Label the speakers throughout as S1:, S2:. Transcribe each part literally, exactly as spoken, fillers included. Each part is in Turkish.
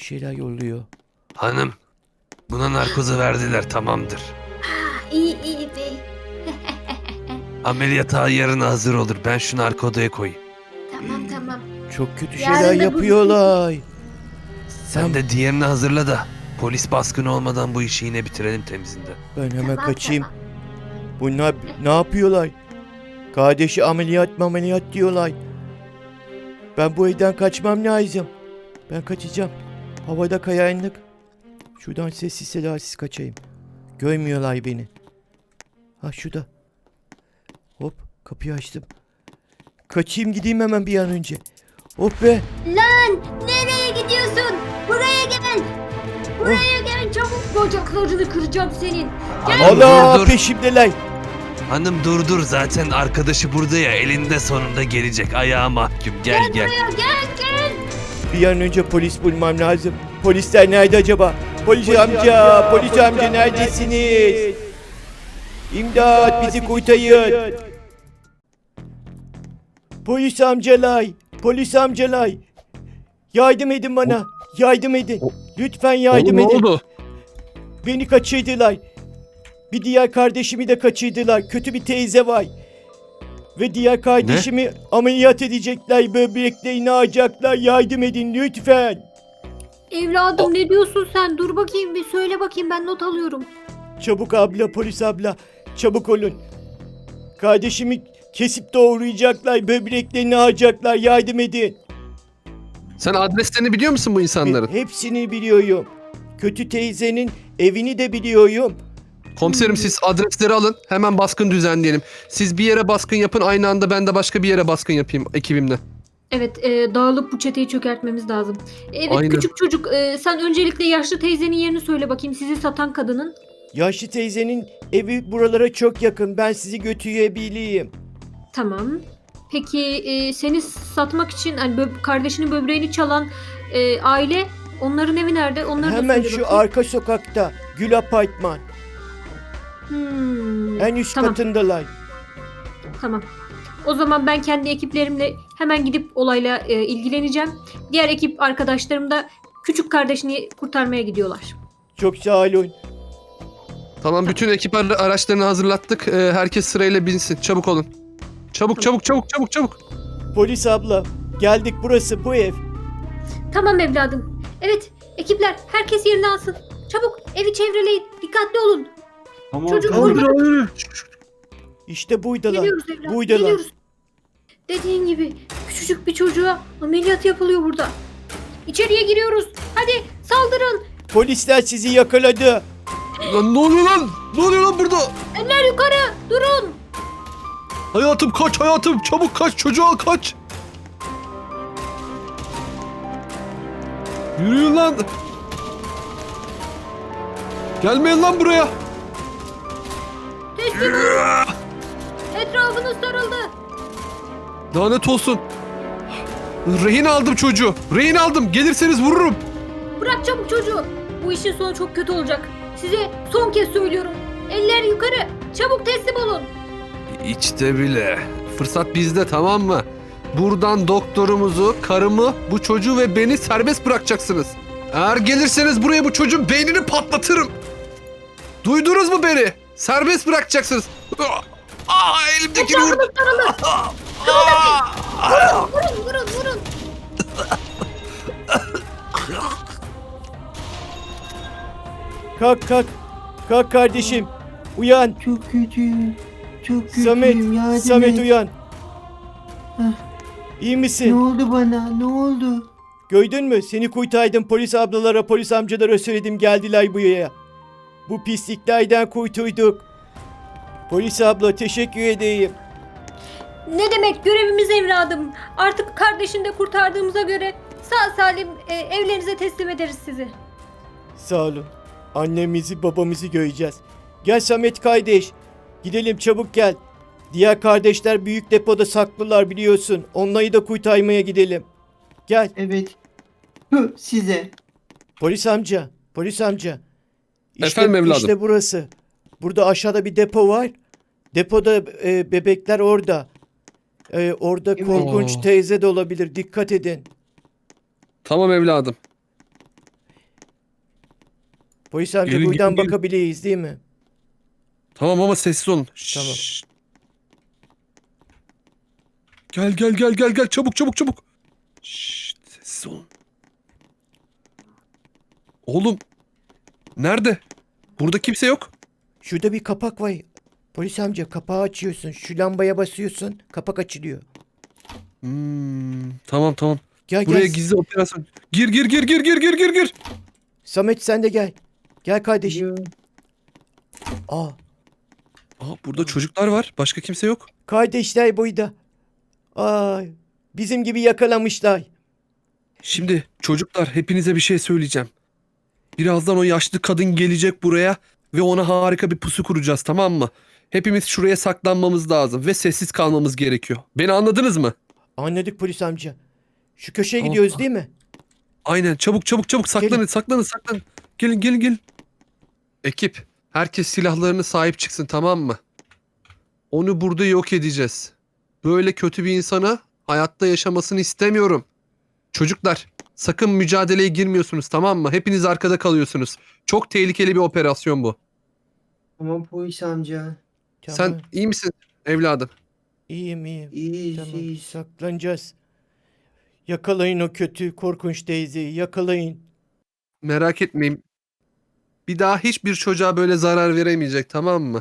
S1: şeyler yolluyor.
S2: Hanım, buna narkozu verdiler, tamamdır.
S3: İyi iyi bey.
S2: Ameliyata yarına hazır olur. Ben şu narkodoya koyayım.
S3: Tamam tamam.
S1: Çok kötü
S3: Yarın
S1: şeyler
S3: da bu-
S1: yapıyorlar.
S2: Sen
S1: Tamam.
S2: de diğerini hazırla da polis baskını olmadan bu işi yine bitirelim temizinde.
S1: Ben hemen
S3: Tamam,
S1: kaçayım.
S3: tamam.
S1: Bunlar ne yapıyorlar? Kardeşi ameliyat mı ameliyat diyorlar. Ben bu evden kaçmam lazım. Ben kaçacağım. Havada kayanlık. Şuradan sessiz sedasız kaçayım. Görmüyorlar beni. Ha şurada. Hop kapıyı açtım. Kaçayım gideyim hemen bir an önce. Hop be.
S3: Lan nereye gidiyorsun? Buraya gel. Buraya gel çabuk, bacaklarını kıracağım senin.
S2: Hanım
S1: Allah
S2: dur dur.
S1: peşimdeler.
S2: Hanım dur dur. Zaten arkadaşı burada ya. Elinde sonunda gelecek. Ayağa mahkum. Gel gel.
S3: Buraya gel gel.
S1: Bir an önce polis bulmam lazım. Polisler nerede acaba? Polis, amca, polis amca neredesiniz? İmdat bizi kurtarın. Polis amcalar, polis amcalar. Yardım edin bana. Yardım edin. Lütfen yardım
S4: Oğlum, ne
S1: edin.
S4: oldu?
S1: Beni kaçırdılar. Bir diğer kardeşimi de kaçırdılar. Kötü bir teyze var. Ve diğer kardeşimi ameliyat edecekler. Böbreklerini alacaklar. Yardım edin lütfen.
S3: Evladım ne diyorsun sen? Dur bakayım bir söyle bakayım, ben not alıyorum.
S1: Çabuk abla, polis abla. Çabuk olun. Kardeşimi kesip doğrayacaklar. Böbreklerini alacaklar. Yardım edin.
S4: Sen adreslerini biliyor musun bu insanların?
S1: Hepsini biliyorum. Kötü teyzenin evini de biliyorum.
S4: Komiserim siz adresleri alın. Hemen baskın düzenleyelim. Siz bir yere baskın yapın. Aynı anda ben de başka bir yere baskın yapayım ekibimle.
S3: Evet, e, dağılıp bu çeteyi çökertmemiz lazım. Evet
S4: Aynen.
S3: küçük çocuk, e, sen öncelikle yaşlı teyzenin yerini söyle bakayım, sizi satan kadının.
S1: Yaşlı teyzenin evi buralara çok yakın. Ben sizi götürebileyim.
S3: Tamam. Peki e, seni satmak için hani bö- kardeşinin böbreğini çalan e, aile, onların evi nerede? Onları da
S1: Hemen
S3: söyle
S1: şu
S3: bakayım.
S1: arka sokakta. Gül Apartman.
S3: Hmm,
S1: En üst
S3: tamam,
S1: katındalar.
S3: tamam. O zaman ben kendi ekiplerimle hemen gidip olayla e, ilgileneceğim. Diğer ekip arkadaşlarım da küçük kardeşini kurtarmaya gidiyorlar.
S1: Çok sağ olun.
S4: Tamam bütün ekip ara- araçlarını hazırlattık. Ee, herkes sırayla binsin. Çabuk olun. Çabuk çabuk çabuk çabuk çabuk.
S1: Polis abla. Geldik burası bu ev.
S3: Tamam evladım. Evet ekipler, herkes yerini alsın. Çabuk evi çevreleyin. Dikkatli olun.
S5: Tamam,
S3: Çocuk
S5: tamam.
S3: vurma.
S1: İşte buydalar.
S3: Geliyoruz evladım.
S1: Buydalar.
S3: Geliyoruz. Dediğin gibi küçücük bir çocuğa ameliyat yapılıyor burada. İçeriye giriyoruz. Hadi saldırın.
S1: Polisler sizi yakaladı.
S4: Lan ne oluyor lan? Ne oluyor lan burada?
S3: Eller yukarı. Durun.
S4: Hayatım kaç hayatım. Çabuk kaç çocuğa kaç. Yürüyün lan. Gelmeyin lan buraya.
S3: Teslim olun. Etrafınız sarıldı.
S4: Lanet olsun. Rehin aldım çocuğu. Rehin aldım. Gelirseniz vururum.
S3: Bırak çabuk çocuğu. Bu işin sonu çok kötü olacak. Size son kez söylüyorum. Eller yukarı. Çabuk teslim olun.
S2: İçte bile.
S4: Fırsat bizde tamam mı? Buradan doktorumuzu, karımı, bu çocuğu ve beni serbest bırakacaksınız. Eğer gelirseniz buraya bu çocuğun beynini patlatırım. Duydunuz mu beni? Serbest bırakacaksınız. Aa, elimdekini vur.
S3: Etrafınız sarıldı.
S2: Aa!
S3: Vurun vurun vurun.
S1: Kalk kalk. Kalk kardeşim. Uyan.
S5: Çok kötüyüm. Çok kötüyüm.
S1: Samet.
S5: Yardım
S1: Samet
S5: et.
S1: uyan.
S5: Heh.
S1: İyi
S5: Ne
S1: misin?
S5: oldu bana? Ne oldu?
S1: Gördün mü? Seni kurtardım. Polis ablalara, polis amcalara söyledim. Geldiler buraya. Bu pisliklerden kurtulduk. Polis abla teşekkür edeyim.
S3: Ne demek, görevimiz evladım. Artık kardeşini de kurtardığımıza göre sağ salim e, evlerinize teslim ederiz sizi.
S1: Sağ olun. Annemizi babamızı göreceğiz. Gel Samet kardeş. Gidelim çabuk gel. Diğer kardeşler büyük depoda saklılar biliyorsun. Onları da kurtarmaya gidelim. Gel.
S5: Evet. Hı, size.
S1: Polis amca. Polis amca. İşte,
S4: Efendim evladım?
S1: İşte burası. Burada aşağıda bir depo var. Depoda e, bebekler orada. E, orada
S5: Evet.
S1: korkunç
S4: Oo.
S1: teyze de olabilir. Dikkat edin.
S4: Tamam evladım.
S1: Polis amca
S4: Gelin,
S1: buradan
S4: gelin, gelin.
S1: bakabiliriz değil mi?
S4: Tamam ama sessiz olun.
S1: Tamam.
S4: Şşş. Gel gel gel gel gel çabuk çabuk çabuk. Şşş, sessiz olun. Oğlum. Nerede? Burada kimse yok.
S1: Şurada bir kapak var. Polis amca kapağı açıyorsun. Şu lambaya basıyorsun. Kapak açılıyor.
S4: Hmm, tamam tamam.
S1: Gel
S4: Buraya
S1: gel.
S4: gizli operasyon. Gir gir gir gir gir gir gir gir.
S1: Samet sen de gel. Gel kardeşim.
S5: Yo.
S1: Aa,
S4: Aa, burada çocuklar var. Başka kimse yok.
S1: kardeşler burada. Ay, bizim gibi yakalamışlar.
S4: Şimdi çocuklar hepinize bir şey söyleyeceğim. Birazdan o yaşlı kadın gelecek buraya ve ona harika bir pusu kuracağız, tamam mı? Hepimiz şuraya saklanmamız lazım ve sessiz kalmamız gerekiyor. Beni anladınız mı?
S1: Anladık polis amca. Şu köşeye
S4: Tamam.
S1: gidiyoruz değil mi?
S4: Aynen, çabuk çabuk çabuk saklanın
S1: Gelin.
S4: saklanın saklanın. Gelin gelin gelin. Ekip, herkes silahlarını sahip çıksın, tamam mı? Onu burada yok edeceğiz. Böyle kötü bir insana hayatta yaşamasını istemiyorum. Çocuklar, sakın mücadeleye girmiyorsunuz, tamam mı? Hepiniz arkada kalıyorsunuz. Çok tehlikeli bir operasyon bu.
S5: Tamam polis amca.
S1: Tamam.
S4: Sen iyi misin evladım?
S1: İyiyim iyiyim.
S5: İyiyiz
S1: Tamam
S5: iyiyiz.
S1: saklanacağız. Yakalayın o kötü korkunç teyzeyi yakalayın.
S4: Merak etmeyin. Bir daha hiçbir çocuğa böyle zarar veremeyecek, tamam mı?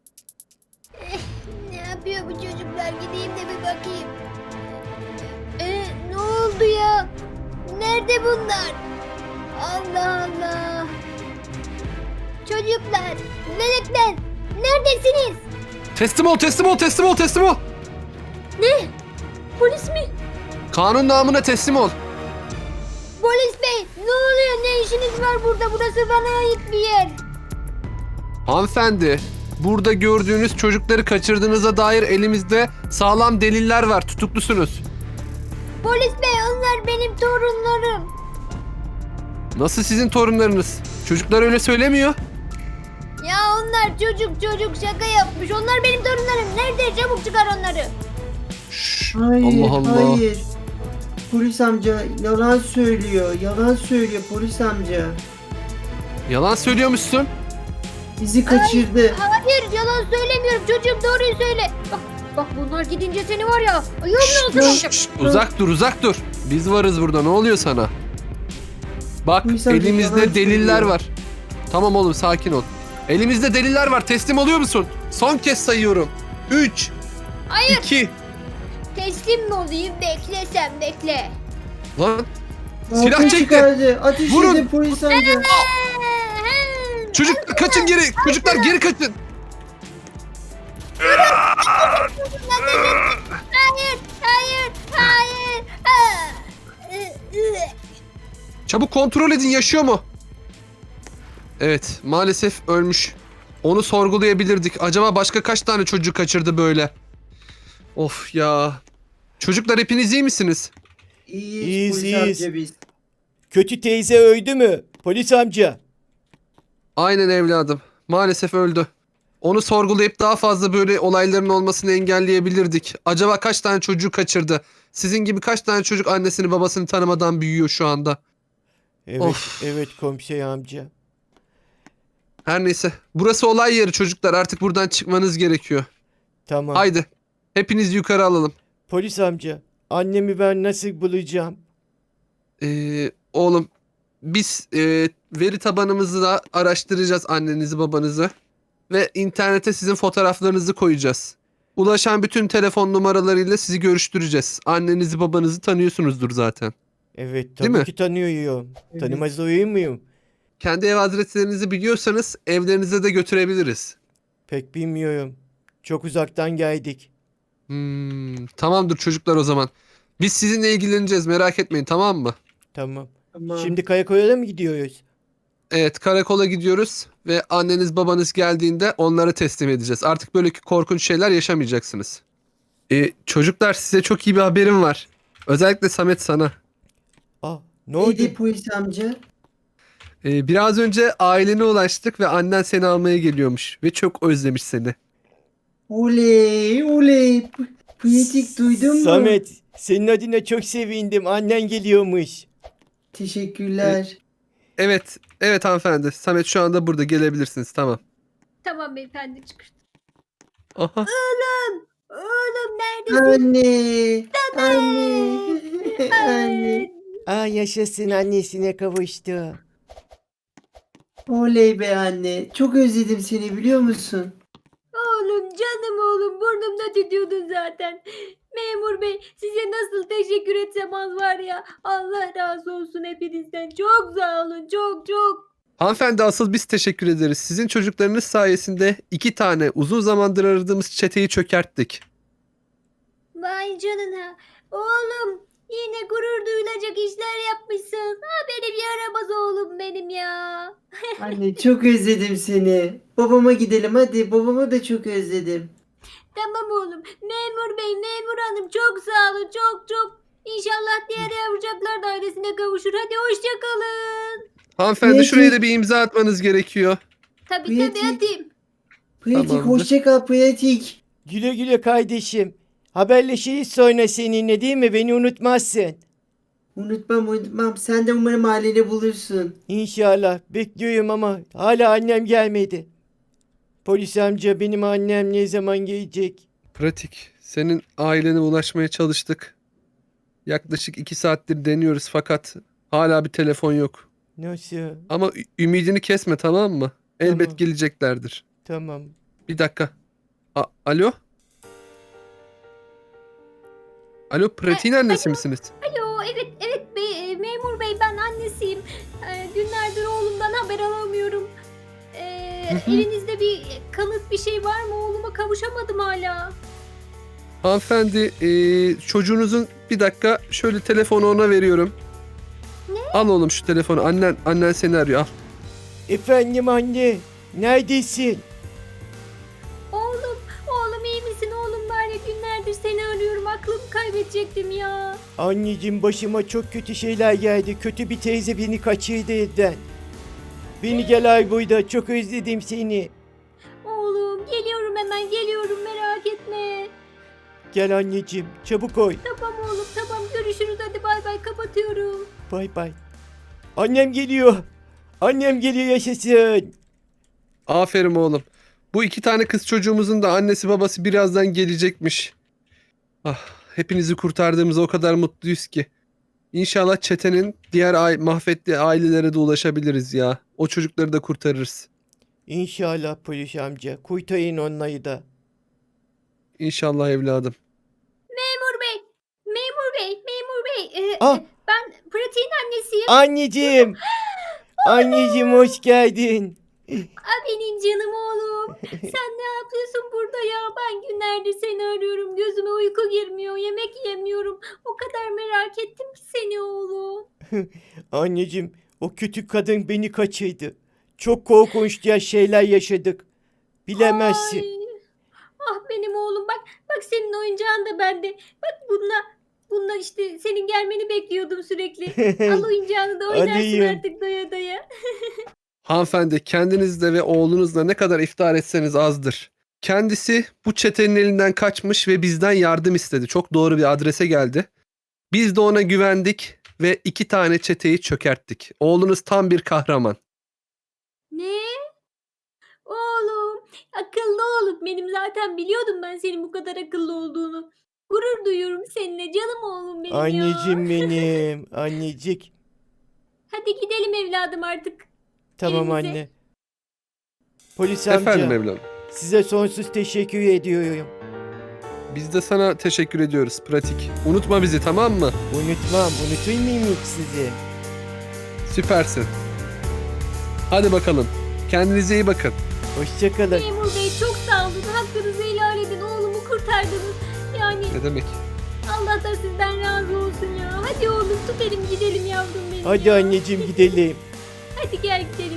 S6: Ne yapıyor bu çocuklar? Gideyim de bir bakayım. Ee, ne oldu ya? Nerede bunlar? Allah Allah. Çocuklar, melekler, neredesiniz?
S4: Teslim ol, teslim ol, teslim ol, teslim ol.
S3: Polis mi?
S4: Kanun namına teslim ol.
S6: Polis bey, ne oluyor? Ne işiniz var burada? Burası bana ait bir yer.
S4: Hanımefendi, burada gördüğünüz çocukları kaçırdığınıza dair elimizde sağlam deliller var. Tutuklusunuz.
S6: Polis bey, onlar benim torunlarım.
S4: Nasıl sizin torunlarınız? Çocuklar öyle söylemiyor.
S6: Ya onlar çocuk çocuk şaka yapmış. Onlar benim torunlarım. Nerede? Çabuk çıkar onları.
S4: Şşş,
S5: Hayır
S4: Allah Allah.
S5: hayır. Polis amca yalan söylüyor. Yalan söylüyor polis amca.
S4: Yalan söylüyormuşsun.
S5: Bizi kaçırdı.
S6: Hayır, yalan söylemiyorum. Çocuğum doğruyu söyle.
S3: Bak, bak bunlar gidince seni var ya. Ayağımın
S4: Şşş,
S3: altına
S4: şşş,
S3: alacağım.
S4: şşş, uzak dur, uzak dur. Biz varız burada. Ne oluyor sana? Bak,
S5: Polis amca
S4: elimizde
S5: yalan
S4: deliller
S5: söylüyor.
S4: var. Tamam oğlum, sakin ol. Elimizde deliller var. Teslim oluyor musun? Son kez sayıyorum. üç,
S6: Hayır.
S4: iki.
S6: Teslim mi olayım? Bekle sen bekle.
S4: Lan, silah
S5: Ateş
S4: çekti.
S5: çıkardı. Ateş
S4: Vurun.
S5: edin polis amca.
S4: Çocuklar kaçın geri. Çocuklar geri kaçın.
S6: Hayır, hayır, hayır. Ah!
S4: Çabuk kontrol edin, yaşıyor mu? Evet, maalesef ölmüş. Onu sorgulayabilirdik. Acaba başka kaç tane çocuk kaçırdı böyle? Of ya. Çocuklar hepiniz iyi misiniz?
S5: İyiyiz,
S1: İyiyiz,
S5: polis
S1: iyiyiz.
S5: amca biz.
S1: Kötü teyze öldü mü? Polis amca.
S4: Aynen evladım. Maalesef öldü. Onu sorgulayıp daha fazla böyle olayların olmasını engelleyebilirdik. Acaba kaç tane çocuğu kaçırdı? Sizin gibi kaç tane çocuk annesini babasını tanımadan büyüyor şu anda?
S1: Evet
S4: Of.
S1: evet komiser amca.
S4: Her neyse. Burası olay yeri çocuklar. Artık buradan çıkmanız gerekiyor.
S1: Tamam.
S4: Haydi. Hepiniz yukarı alalım.
S1: Polis amca. Annemi ben nasıl bulacağım?
S4: Ee, oğlum biz e, veri tabanımızı da araştıracağız, annenizi babanızı. Ve internete sizin fotoğraflarınızı koyacağız. Ulaşan bütün telefon numaralarıyla sizi görüştüreceğiz. Annenizi babanızı tanıyorsunuzdur zaten.
S1: Evet
S4: Değil
S1: tabii
S4: mi?
S1: ki tanıyorum.
S5: Evet.
S1: Tanımaz olur muyum?
S4: Kendi ev adreslerinizi biliyorsanız evlerinize de götürebiliriz.
S1: Pek bilmiyorum. Çok uzaktan geldik.
S4: Hmm, tamamdır çocuklar o zaman. Biz sizinle ilgileneceğiz, merak etmeyin, tamam mı?
S1: Tamam.
S5: Tamam.
S1: Şimdi karakola mı gidiyoruz?
S4: Evet, karakola gidiyoruz ve anneniz babanız geldiğinde onları teslim edeceğiz. Artık böyle korkunç şeyler yaşamayacaksınız. Ee, çocuklar size çok iyi bir haberim var. Özellikle Samet sana.
S1: Aa, ne oldu?
S5: Neydi polis amca?
S4: Ee, biraz önce ailene ulaştık ve annen seni almaya geliyormuş ve çok özlemiş seni.
S5: Oley oley. P- Pratik duydun mu?
S1: Samet, senin adına çok sevindim. Annen geliyormuş.
S5: Teşekkürler.
S4: evet, evet hanımefendi. Samet şu anda burada, gelebilirsiniz, tamam.
S3: Tamam beyefendi çıkış.
S4: Aha.
S6: Oğlum. Oğlum neredesin?
S5: Anne. Anne. Anne.
S1: Aa yaşasın, annesine kavuştu.
S5: Oley be anne. Çok özledim seni biliyor musun?
S3: Oğlum canım oğlum burnumda tütüyordun zaten. Memur bey size nasıl teşekkür etsem az var ya. Allah razı olsun hepinizden. Çok sağ olun çok çok.
S4: Hanımefendi asıl biz teşekkür ederiz. Sizin çocuklarınız sayesinde iki tane uzun zamandır aradığımız çeteyi çökerttik.
S6: Vay canına. Oğlum yine gurur duyulacak işler yapmışsın. Ha benim yaramaz oğlum benim ya.
S5: Anne çok özledim seni. Babama gidelim hadi. Babamı da çok özledim.
S6: Tamam oğlum. Memur bey, memur hanım çok sağ olun. Çok çok. İnşallah diğer yavrucaklar da ailesine kavuşur. Hadi hoşça kalın.
S4: Hanımefendi
S5: Peki.
S4: şuraya da bir imza atmanız gerekiyor.
S6: Tabii
S5: Pratik.
S6: tabii atayım.
S5: Pratik
S4: Tamamdır.
S5: hoşça kal pratik.
S1: Güle güle kardeşim. Haberleşiriz sonra seninle değil mi? Beni unutmazsın.
S5: Unutmam unutmam. Sen de umarım aileni bulursun.
S1: İnşallah. Bekliyorum ama hala annem gelmedi. Polis amca benim annem ne zaman gelecek?
S4: Pratik. Senin ailene ulaşmaya çalıştık. Yaklaşık iki saattir deniyoruz fakat hala bir telefon yok.
S1: Nasıl?
S4: Ama ü- ümidini kesme, tamam mı? Elbet
S1: Tamam.
S4: geleceklerdir.
S1: Tamam.
S4: Bir dakika. A- Alo? Alo, Pratik'in annesi misiniz?
S3: Alo evet evet bey, e, memur bey ben annesiyim. E, günlerdir oğlumdan haber alamıyorum. E,
S4: Hı hı.
S3: elinizde bir kanıt bir şey var mı? Oğluma kavuşamadım hala.
S4: Hanımefendi, eee, çocuğunuzun bir dakika şöyle telefonu ona veriyorum. Al oğlum şu telefonu. Annen annen seni arıyor. Al.
S1: Efendim anne. Neredesin?
S3: Oğlum, oğlum iyi misin? Oğlum var ya günlerdir seni arıyorum. Aklımı kaybedecektim ya.
S1: Anneciğim başıma çok kötü şeyler geldi. Kötü bir teyze beni kaçırdı evden. Beni gel ay burada. Çok özledim seni.
S3: Oğlum geliyorum hemen geliyorum merak etme.
S1: Gel anneciğim. Çabuk oy.
S3: Tamam oğlum tamam görüşürüz hadi bay bay kapatıyorum.
S1: Bay bay. Annem geliyor. Annem geliyor yaşasın.
S4: Aferin oğlum. Bu iki tane kız çocuğumuzun da annesi babası birazdan gelecekmiş. Ah, hepinizi kurtardığımıza o kadar mutluyuz ki. İnşallah çetenin diğer ai- mahvettiği ailelere de ulaşabiliriz ya. O çocukları da kurtarırız.
S1: İnşallah polis amca. Kurtarın onları da.
S4: İnşallah evladım.
S3: Memur bey, memur bey, memur bey. Ee,
S1: Ah!
S3: Ben Pratik'in annesiyim.
S1: Anneciğim. Anneciğim hoş geldin.
S3: Aa, benim canım oğlum. Sen ne yapıyorsun burada ya? Ben günlerdir seni arıyorum. Gözüme uyku girmiyor. Yemek yemiyorum. O kadar merak ettim ki seni oğlum.
S1: Anneciğim o kötü kadın beni kaçırdı. Çok korkunç ya şeyler yaşadık. Bilemezsin.
S3: Ay. Ah benim oğlum bak. Bak senin oyuncağın da bende. Bak bununla bununla işte senin gelmeni bekliyordum sürekli. Al oyuncağını da oynarsın
S1: Alayım.
S3: artık doya doya.
S4: Hanımefendi, kendinizle ve oğlunuzla ne kadar iftihar etseniz azdır. Kendisi bu çetenin elinden kaçmış ve bizden yardım istedi. Çok doğru bir adrese geldi. Biz de ona güvendik ve iki tane çeteyi çökerttik. Oğlunuz tam bir kahraman.
S3: Ne? Oğlum, akıllı oğlum. Benim zaten biliyordum ben senin bu kadar akıllı olduğunu. Gurur duyuyorum seninle canım oğlum benim ya.
S1: Anneciğim benim. Annecik.
S3: Hadi gidelim evladım artık.
S1: Tamam
S3: Elinize.
S1: anne. Polis amca.
S4: Efendim evladım.
S1: Size sonsuz teşekkür ediyorum.
S4: Biz de sana teşekkür ediyoruz Pratik. Unutma bizi, tamam mı?
S1: Unutmam. Unutur muyum hiç sizi?
S4: Süpersin. Hadi bakalım. Kendinize iyi bakın.
S1: Hoşçakalın.
S3: Memur bey çok sağ olun. Hakkınızı helal edin. Oğlumu kurtardınız. Yani
S4: Ne demek?
S3: Allah da sizden razı olsun ya. Hadi oğlum tut elim gidelim yavrum benim
S1: Hadi
S3: ya.
S1: anneciğim gidelim.
S3: Hadi gel gidelim.